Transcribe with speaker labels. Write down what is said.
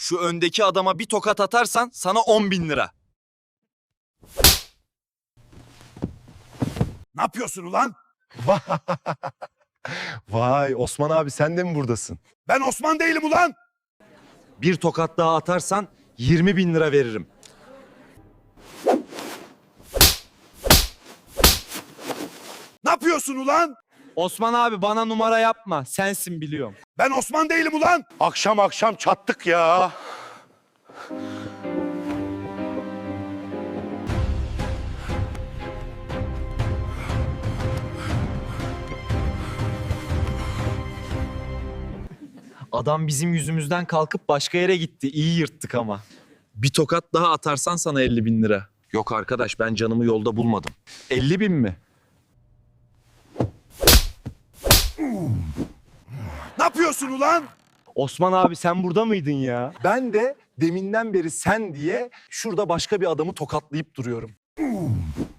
Speaker 1: Şu öndeki adama bir tokat atarsan sana 10.000 lira.
Speaker 2: Ne yapıyorsun ulan?
Speaker 3: Vay Osman abi sen de mi buradasın?
Speaker 2: Ben Osman değilim ulan.
Speaker 1: Bir tokat daha atarsan 20.000 lira veririm.
Speaker 2: Ne yapıyorsun ulan?
Speaker 1: Osman abi bana numara yapma. Sensin biliyorum.
Speaker 2: Ben Osman değilim ulan.
Speaker 3: Akşam akşam çattık ya.
Speaker 1: Adam bizim yüzümüzden kalkıp başka yere gitti. İyi yırttık ama. Bir tokat daha atarsan sana 50.000 lira. Yok arkadaş ben canımı yolda bulmadım. 50.000 mi?
Speaker 2: Ne yapıyorsun ulan?
Speaker 3: Osman abi sen burada mıydın ya? Ben de deminden beri sen diye şurada başka bir adamı tokatlayıp duruyorum.